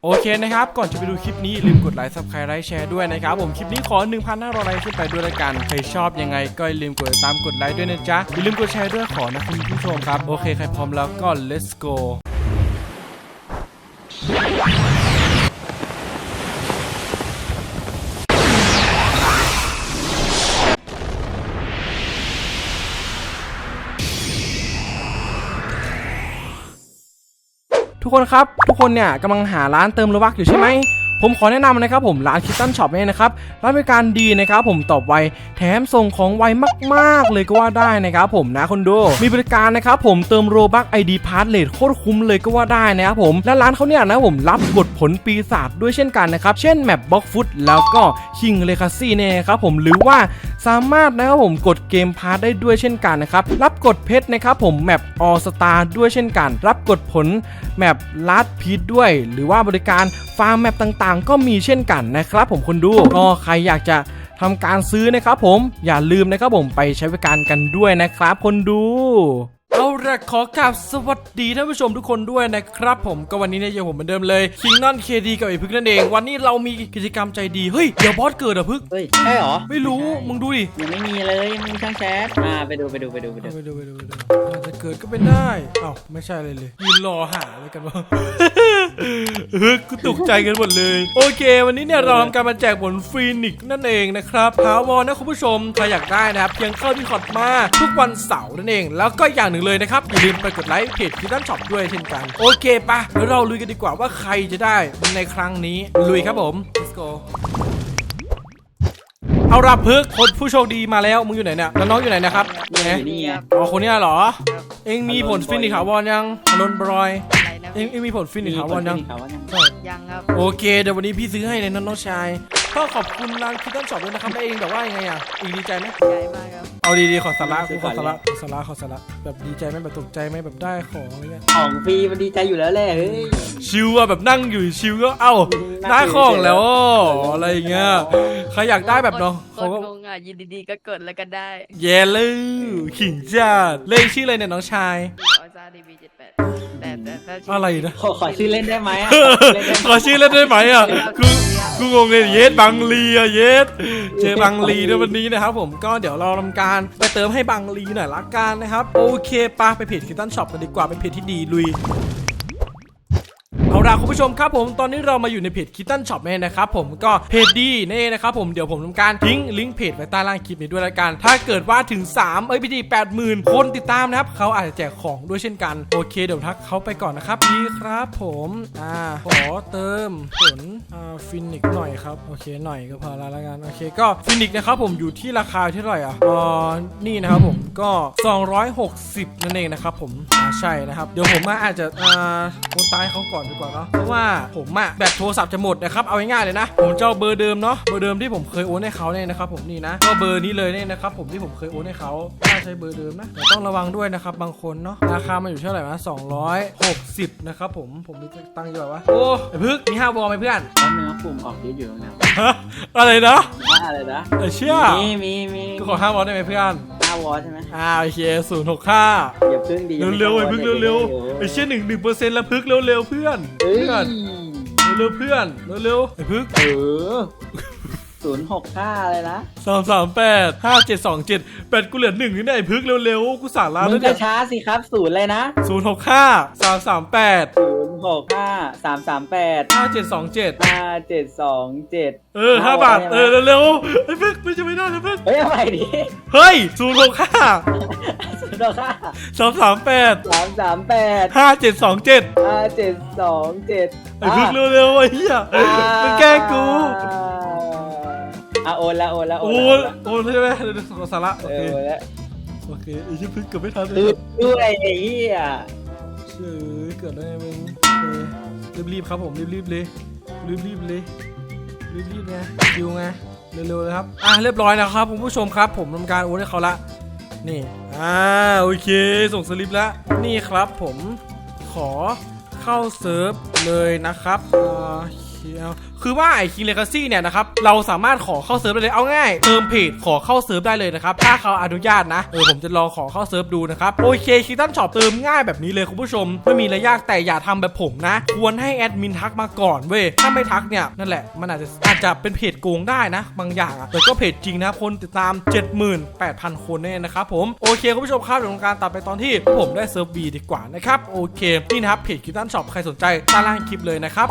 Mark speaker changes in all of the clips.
Speaker 1: โอเคนะครับก่อนจะไปดูคลิปนี้ลืมกดไลค์ Subscribe ไลค์แชร์ด้วยนะครับผมคลิปนี้ขอ 1,500 ไลค์ขึ้นไปด้วยละกันใครชอบยังไงก็อย่าลืมกดติดตามกดไลค์ด้วยนะจ๊ะอย่าลืมกดแชร์ด้วยขอนะคุณผู้ชมครับโอเคใครพร้อมแล้วก็ let's goทุกคนครับทุกคนเนี่ยกำลังหาร้านเติมโลบัคอยู่ใช่ไหมผมขอแนะนำนะครับผมร้านคิตตันช็อปเนี่ยนะครับร้านบริการดีนะครับผมตอบไวแถมส่งของไวมากๆเลยก็ว่าได้นะครับผมนะคนดูมีบริการนะครับผมเติมโลบัค ID พาสเลทโคตรคุ้มเลยก็ว่าได้นะครับผมและร้านเขาเนี่ยนะผมรับกดผลปีศาจด้วยเช่นกันนะครับเช่นแมปบล็อกฟุตแล้วก็คิงเลคาซี่เนี่ยครับผมหรือว่าสามารถนะครับผมกดเกมพาสได้ด้วยเช่นกันนะครับรับกดเพชรนะครับผมแมปออสตาด้วยเช่นกันรับกดผลแมปลาดพีทด้วยหรือว่าบริการฟาร์มแมปต่างๆก็มีเช่นกันนะครับผมคนดูก็ใครอยากจะทำการซื้อนะครับผมอย่าลืมนะครับผมไปใช้บริการกันด้วยนะครับคนดูเอาละขอกราบสวัสดีท่านผู้ชมทุกคนด้วยนะครับผมก็วันนี้เนี่ยยังผมเหมือนเดิมเลยคิงนอนเคดีกับไอ้พึกนั่นเองวันนี้เรามีกิจกรรมใจดีเฮ้ยเดี๋ยวบอสเกิดอ่ะพึก
Speaker 2: เฮ้ยใช่เหรอ
Speaker 1: ไม่รู้มึงดูดิ
Speaker 2: ยังไม่มีเลยยังไม่มีช่างแชทไปดูอาจ
Speaker 1: จะเกิดก็เป็นได้อ้าวไม่ใช่เลยยืนรอหาอะไรกันวะ กูตกใจกันหมดเลยโอเควันนี้เนี่ยเราทำการมาแจกผลฟีนิกซ์นั่นเองนะครับถาวรนะคุณผู้ชมใครอยากได้นะครับเพียงเข้าที่คอร์ดมาทุกวันเสาร์นั่นเองแล้วก็อย่างหนึ่งเลยนะครับอย่าลืมไปกดไลค์เพจคิตตันช็อปด้วยเช่นกันโอเคปะเดี๋ยวเราลุยกันดีกว่าว่าใครจะได้ในครั้งนี้ลุยครับผม let's go เอารับพึกคนผู้โชคดีมาแล้วมึงอยู่ไหนเนี่ยแล้วน้องอยู่ไหนนะครับ
Speaker 2: นี่ไง
Speaker 1: อ๋อคนนี้เหรอเอ็งมีผลฟินิกส์ถาวรยังนนบรอยเอ็งมีผลฟินิกส์ถาวรยัง
Speaker 3: ยังครับ
Speaker 1: โอเคเดี๋ยววันนี้พี่ซื้อให้เลยน้องชายก็ขอบคุณร้านคิตตันช็อปด้วยนะครับแล้วเองแบบว่ายังไงอ่ะเองดีใจไหม
Speaker 3: ใหญ่มากครับ
Speaker 1: เอาดีๆขอสาระแบบดีใจไหมแบบตกใจไหมแบบได้ของอะไรเงี้ย
Speaker 2: ของฟรีมันดีใจอยู่แล้วแหละเฮ้ย
Speaker 1: ชิวอะแบบนั่งอยู่ชิวก็เอ้าได้ของแล้วอะไรเงี้ยใครอยากได้แบบเนาะ
Speaker 3: เขาก็งงอ่ะยินดีๆก็กดแล้วกันได้
Speaker 1: เย่เลยขิงจัดเลขชื่ออะไรเนี่ยน้องชาย
Speaker 3: ออซ่าดีบี78แต่
Speaker 1: อะไรนะ
Speaker 2: ขอชื่อเล่นได้ไหม
Speaker 1: ขอชื่อเล่นได้ไหมอ่ะกูงงเลยเยสบังลีอะเยสเจอบังลีในวันนี้นะครับผมก็เดี๋ยวเราทำการไปเติมให้บังลีหน่อยละกันนะครับโอเคป่ะไปเพจคิตตันช็อปกันดีกว่าเป็นเพจที่ดีลุยเอาล่ะคุณผู้ชมครับผมตอนนี้เรามาอยู่ในเพจคิตตันช็อปเนี่ยนะครับผมก็เพจดีนี่นะครับผมเดี๋ยวผมทำการทิ้งลิงก์เพจไว้ใต้ล่างคลิปนี้ด้วยละกันถ้าเกิดว่าถึงพี่ดี 80,000 คนติดตามนะครับเขาอาจจะแจกของด้วยเช่นกันโอเคเดี๋ยวทักเขาไปก่อนนะครับดีครับผมขอเติมผลฟินิกหน่อยครับโอเคหน่อยก็พอละกันโอเคก็ฟินิกนะครับผมอยู่ที่ราคาเท่าไหร่นี่นะครับผมก็260นั่นเองนะครับผมใช่นะครับเดี๋ยวผมอาจจะโอนตายเขาก่อนดีกว่าเนาะเพราะว่าผมแบตโทรศัพท์จะหมดนะครับเอาง่ายๆเลยนะผมจะเอาเบอร์เดิมเนาะเบอร์เดิมที่ผมเคยโอนให้เขาเนี่ยนะครับผมนี่นะก็เบอร์นี้เลยเนี่ยนะครับผมที่ผมเคยโอนให้เขาถ้าใช้เบอร์เดิมนะแต่ต้องระวังด้วยนะครับบางคนเนาะราคามันอยู่เท่าไหร่นะ260นะครับผมมีตังค์อยู่แบบว่าโอ้ไอ้พึกมี5 วอลไหมเพื่อน
Speaker 2: เนื้อปุ่มออกเยอะอยู่นะ
Speaker 1: อะไรนะ
Speaker 2: อะไรนะ
Speaker 1: เชื่อมีก็ขอ5 วอลได้ไหมเพื่อน
Speaker 2: 5 วอลใช่ไหม
Speaker 1: โอเค065
Speaker 2: อย่าพึ่งดี
Speaker 1: เร็วๆไอ้พึกเร็วๆไอ้เชี่ย1% แล้วพึกเร็วๆเพื่อนเร็วเพื่อนเร็วไอ้พึก
Speaker 2: 065เลยนะ
Speaker 1: 338 5727 8กูเหลือ1นี่ไอ้พึกเร็วๆกูสั่งร้าน
Speaker 2: มึงจะช้าสิครับ0เลยนะ
Speaker 1: 065 338
Speaker 2: 065 338
Speaker 1: 5727
Speaker 2: 5727
Speaker 1: 5 บาทเร็วไอ้พึกไม่จะไม่ได้นะพึก
Speaker 2: เฮ้ยอะไรดิ
Speaker 1: เฮ้ย065
Speaker 2: 338
Speaker 1: 5727
Speaker 2: 5727
Speaker 1: ไอ้พึกเร็วๆไอ้เหี้ยมันแกล้งกู
Speaker 2: โอน
Speaker 1: ใช่ไหมขอสาระโอเคไอ้ชิพึกเกือบไม่ทันเลย
Speaker 2: ด้วยไอ้เหี้ย
Speaker 1: เกิดอะไรมึงรีบครับผมรีบเลยรีบไงคิวไงเร็วเลยครับเรียบร้อยนะครับคุณผู้ชมครับผมทำการโอนให้เขาละนี่โอเคส่งสลิปแล้วนี่ครับผมขอเข้าเซิร์ฟเลยนะครับโอเคเอาคือว่าไอ้คิงเลกาซี่เนี่ยนะครับเราสามารถขอเข้าเซิร์ฟได้เลยเอาง่ายเติมเพจขอเข้าเซิร์ฟได้เลยนะครับถ้าเขาอนุญาตนะผมจะลองขอเข้าเซิร์ฟดูนะครับโอเคคิตตันช็อปเติมง่ายแบบนี้เลยคุณผู้ชมไม่มีอะไรยากแต่อย่าทำแบบผมนะควรให้แอดมินทักมาก่อนเว้ยถ้าไม่ทักเนี่ยนั่นแหละมันอาจจะเป็นเพจโกงได้นะบางอย่างแต่ก็เพจจริงนะคนติดตาม 78,000 คนเนี่ยนะครับผมโอเคคุณผู้ชมครับเดี๋ยวทำการตัดไปตอนที่ผมได้เซิร์ฟ B ดีกว่านะครับโอเคนี่นะครับเพจคิตตันช็อปใครสนใจใต้ล่างคลิปเลยนะครับ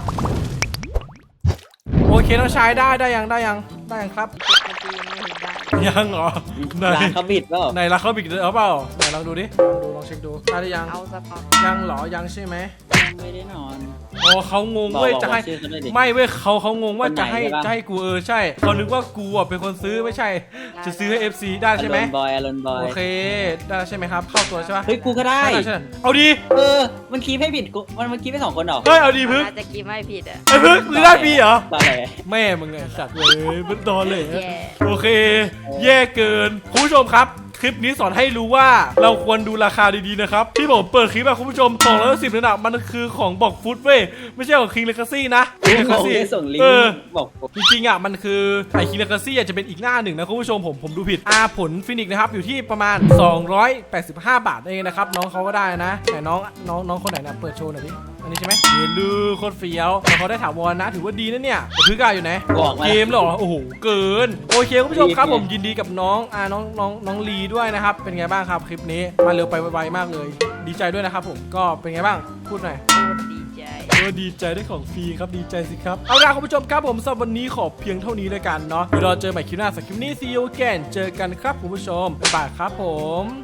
Speaker 1: โอเคน้องชายได้ยังครับ
Speaker 3: มันจะยังไม่เห็นได้
Speaker 1: ยังเหรอไหน
Speaker 2: ร้านเขาบิดเปล่า
Speaker 1: ไหนราคาบิกเปล่าไหนลองดูดิลองเช็คดูได้หรือยัง
Speaker 3: เอาสปอร์ต
Speaker 1: ยังเหรอยังใช่ไหม
Speaker 2: ยังไม่ได้นอน
Speaker 1: โอ้เขางงเว้ย
Speaker 2: บอก
Speaker 1: จะให้
Speaker 2: ชื่อเขาหน่อยดิ
Speaker 1: ไม่เว้ยเขางงว่า
Speaker 2: คนไหน
Speaker 1: จะให้
Speaker 2: ใช่ปะ
Speaker 1: จะให้กูใช่เขานึกว่ากูอ่ะเป็นคนซื้อไม่ใช่ จะซื้อให้ FC ได้ใช่ไหม
Speaker 2: อารอนบอย
Speaker 1: โอเคได้ใช่ไหมครับเข้าตัวใช่ปะ
Speaker 2: เฮ้ยกูก็ได้
Speaker 1: ใช่เอาดี
Speaker 2: มันคีบให้ผิดกูมันคีบให้2 คนเหรอ
Speaker 1: เฮ้ยเอาดีพึ่ง
Speaker 3: น่าจะกินไม่ผิดอ่ะ
Speaker 1: ไอ้พึ่งมึงได้ปีเหรอ
Speaker 2: ตอนไหน
Speaker 1: แม่มึงไงสัตว์เลยมันโดนเลย
Speaker 3: แย่
Speaker 1: โอเค แย่เกินคุณผู้ชมครับคลิปนี้สอนให้รู้ว่าเราควรดูราคาดีๆนะครับที่ผมเปิดคลิปอะคุณผู้ชม210นั่นอะมันคือของบอกฟุตเว้ยไม่ใช่ของคิงเลกาซี่นะ King
Speaker 2: เขา
Speaker 1: Legacy
Speaker 2: ได้ส่งลิงก์บอกผม
Speaker 1: จริงๆอ่ะมันคือไอคิงเลกาซี่จะเป็นอีกหน้าหนึ่งนะคุณผู้ชมผมดูผิดผลฟินิกนะครับอยู่ที่ประมาณ285 บาทเองนะครับน้องเขาก็ได้นะแต่น้องคนไหนนะเปิดโชว์หน่อยดิอันนี้ใช่ไหมเยลือโคตรเฟี้ยวแต่เขาได้ถาวรนะถือว่าดีนะเนี่ยพื้นกายอยู่ไหน
Speaker 2: บอกมา
Speaker 1: เกมเหรอโอ้โหเกินโอเคคุณผู้ชมครับผมยินดีกับน้องลีด้วยนะครับเป็นไงบ้างครับคลิปนี้มาเร็วไปไวๆมากเลยดีใจด้วยนะครับผมก็เป็นไงบ้างพูดหน่อย
Speaker 3: โคตรดีใจ
Speaker 1: ดีใจได้ของฟรีครับดีใจสิครับเอาล่ะคุณผู้ชมครับผมสำหรับวันนี้ขอเพียงเท่านี้เลยกันเนาะเดี๋ยวเราเจอใหม่คลิปหน้าสักคลิปนี้ see you again เจอกันครับคุณผู้ชมบ๊ายบายครับผม